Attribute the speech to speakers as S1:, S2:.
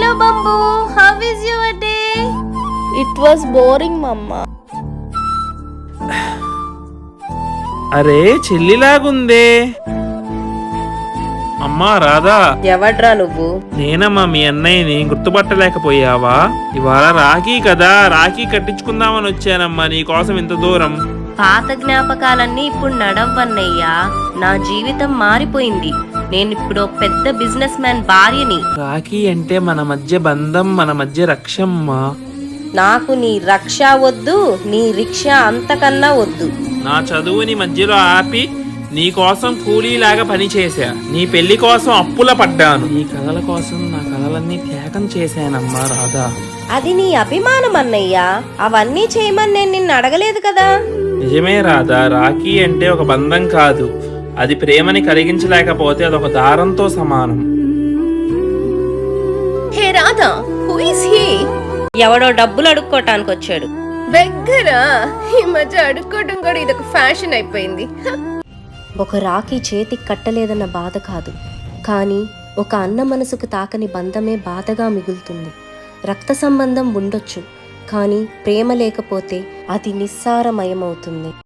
S1: Hello బంబు, how is your day?
S2: It was boring mamma.
S3: అరే చెల్లిలాగుందే. అమ్మా రాధా,
S1: ఎవడ్రా నువ్వు?
S3: నేనమ్మా మీ అన్నయ్యని. గుర్తుపట్టలేకపోయావా? ఇవాళ రాఖీ కదా, రాఖీ కట్టించుకుందామని వచ్చానమ్మా నీకోసం ఇంత దూరం.
S1: పాత జ్ఞాపకాలన్నీ ఇప్పుడు నడవన్నయ్యా. నా జీవితం మారిపోయింది. నేను ఇప్పుడు పెద్ద బిజినెస్ మ్యాన్ భార్యని.
S3: రాఖీ అంటే మన మధ్య బంధం, మన మధ్య రక్షమ్మా.
S1: నాకు నీ రక్ష వద్దు, నీ రిక్షా అంతకన్నా వద్దు.
S3: నా చదువుని మధ్యలో ఆపి నీ కోసం కూలీలాగా పనిచేశా. నీ పెళ్లి కోసం అప్పుల పడ్డాను. నీ కలల కోసం నా కలలన్నీ త్యాగం చేశానమ్మా రాధా.
S1: అది నీ అభిమానం అన్నయ్యా. అవన్నీ చేయమని నేను నిన్ను అడగలేదు కదా.
S3: నిజమే రాధా, రాఖీ అంటే ఒక బంధం కాదు, అది ప్రేమని కలిగించలేకపోతే అదొక దారంతో సమానం.
S4: Hey Radha, who is he?
S1: ఎవడో డబ్బులు అడుక్కోటానికి వచ్చాడు.
S4: బెగ్గరా, ఈ మధ్య అడుక్కోవడం కూడా ఇదొక ఫ్యాషన్ అయిపోయింది.
S1: ఒక రాఖీ చేతికి కట్టలేదన్న బాధ కాదు, కానీ ఒక అన్న మనసుకు తాకని బంధమే బాధగా మిగులుతుంది. రక్త సంబంధం ఉండొచ్చు, కానీ ప్రేమ లేకపోతే అది నిస్సారమయమవుతుంది.